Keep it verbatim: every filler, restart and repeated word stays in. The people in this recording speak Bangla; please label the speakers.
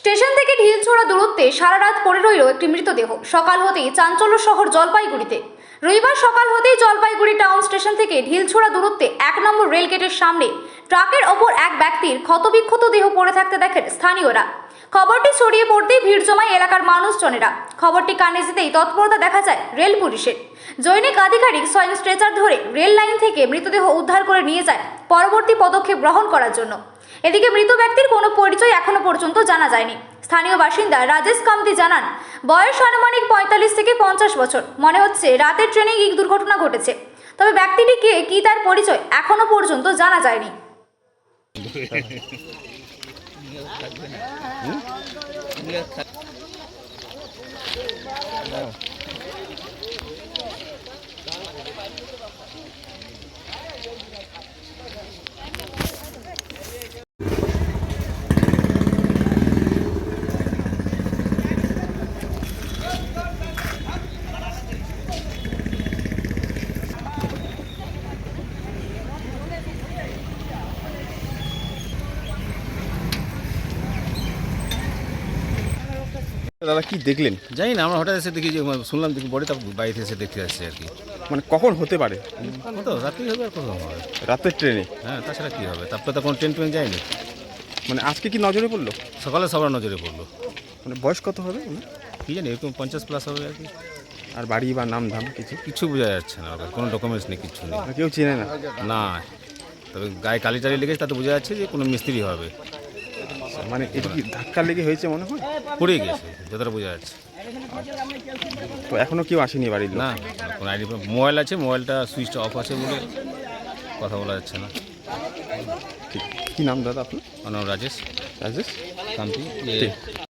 Speaker 1: স্টেশন থেকে ঢিলছোড়া দূরত্বে সারা রাত পড়ে রইল একটি মৃতদেহ। সকাল হতেই চাঞ্চল্য শহর জলপাইগুড়িতে। রবিবার সকাল হতেই জলপাইগুড়ি টাউন স্টেশন থেকে ঢিলছোড়া দূরত্বে এক নম্বর রেল গেটের সামনে ট্রাকের ওপর এক ব্যক্তির ক্ষতবিক্ষত দেহ পড়ে থাকতে দেখেন স্থানীয়রা। খবরটি ছড়িয়ে পড়তেই ভিড় জমায় এলাকার মানুষজনেরা। খবরটি কানে যেতেই তৎপরতা দেখা যায় রেল পুলিশের। জৈনিক আধিকারিক স্বয়ং স্ট্রেচার ধরে রেল লাইন থেকে মৃতদেহ উদ্ধার করে নিয়ে যায় পরবর্তী পদক্ষেপ গ্রহণ করার জন্য। এদিকে মৃত ব্যক্তির কোনো পরিচয় এখনো পর্যন্ত জানা যায়নি। স্থানীয় বাসিন্দা রাজেশ কামতি জানান, বয়স আনুমানিক পঁয়তাল্লিশ থেকে পঞ্চাশ বছর। মনে হচ্ছে রাতের ট্রেনে এই দুর্ঘটনা ঘটেছে, তবে ব্যক্তিটি কে কি তার পরিচয় এখনো পর্যন্ত জানা যায়নি।
Speaker 2: দাদা কি দেখলেন?
Speaker 3: জানি না, আমরা হঠাৎ এসে দেখি যে শুনলাম দেখি বডি, তারপর বাড়িতে এসে দেখতে আসছি আর কি।
Speaker 2: মানে কখন হতে পারে?
Speaker 3: কত রাত্রি হবে আর কত হবে?
Speaker 2: রাতের ট্রেনে?
Speaker 3: হ্যাঁ, তাছাড়া কী হবে? তারপরে তো কোনো ট্রেন ট্রেন যায়নি।
Speaker 2: মানে আজকে কি নজরে পড়লো?
Speaker 3: সকালে সবার নজরে পড়লো।
Speaker 2: মানে বয়স কত হবে?
Speaker 3: কী জানি, এরকম পঞ্চাশ প্লাস হবে আর কি।
Speaker 2: আর বাড়ি বা নাম ধাম কিছু?
Speaker 3: কিছু বোঝা যাচ্ছে না, ওদের কোনো ডকুমেন্টস নেই, কিচ্ছু নেই।
Speaker 2: আর কেউ চেনে না?
Speaker 3: না, তবে গায়ে কালি টালি লেগেছে, তাতে বোঝা যাচ্ছে যে কোনো মিস্ত্রি হবে।
Speaker 2: মানে এটা কি ধাক্কা লেগে হয়েছে মনে হয়?
Speaker 3: পড়ে গেছে, যতটা বোঝা যাচ্ছে।
Speaker 2: তো এখনো কেউ আসেনি বাড়ির লোক?
Speaker 3: না, কোনো আইডি। মোবাইল আছে, মোবাইলটা সুইচটা অফ আছে বলে কথা বলা যাচ্ছে না।
Speaker 2: ঠিক। কী নাম দাদা আপনার?
Speaker 3: আমার নাম রাজেশ
Speaker 2: রাজেশ
Speaker 3: কান্তি।
Speaker 2: ঠিক।